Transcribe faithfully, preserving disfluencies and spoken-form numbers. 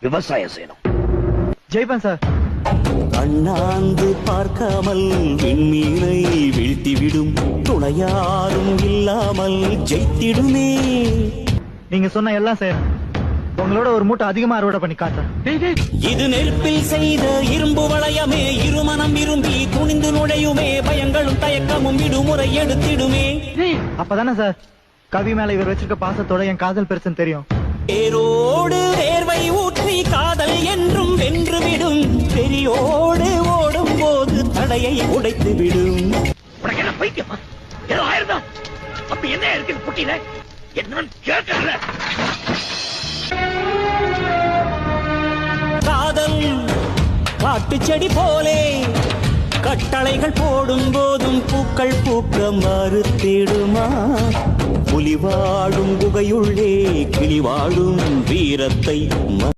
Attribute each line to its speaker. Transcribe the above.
Speaker 1: விவசாயம் செய்யணும்.
Speaker 2: ஜெய்பன் சார்.
Speaker 3: அண்ணாந்து பார்க்காமல் விண்மீனை வீழ்த்திவிடும் துணையாரும் இல்லாமல் ஜெயித்திடுமே.
Speaker 2: நீங்க சொன்ன எல்லாம் செய்யறேன். உங்களோட ஒரு மூட்டை அதிகமா அறுவடை பண்ணி காட்டுறேன்.
Speaker 3: இது நெருப்பில் செய்த இரும்பு வளையமே, இருமனம் விரும்பி துணிந்து நுழையுமே, பயங்களும் தயக்கமும் விடுமுறை எடுத்திடுமே.
Speaker 2: அப்பதானே சார் கவி மேல இவர் வச்சிருக்க பாசத்தோட என் காதல் பெருசுன்னு தெரியும்.
Speaker 3: வேரோடு வேர்வை ஊற்றி காதல் என்றும் வென்று விடும், பெரியோடு ஓடும் போது தடையை உடைத்து விடும்.
Speaker 1: உனக்கு என்ன பைத்தியமா? ஏதோ ஆயிருந்தா அப்ப என்ன இருக்கு புட்டியில என்னன்னு கேட்கல.
Speaker 3: காதல் காட்டு செடி போலே கட்டளைகள் போடும் போதும் பூக்கள் பூக்க மறுத்திடுமா? புலி வாழும் குகையுள்ளே கிளி வாழும் வீரத்தை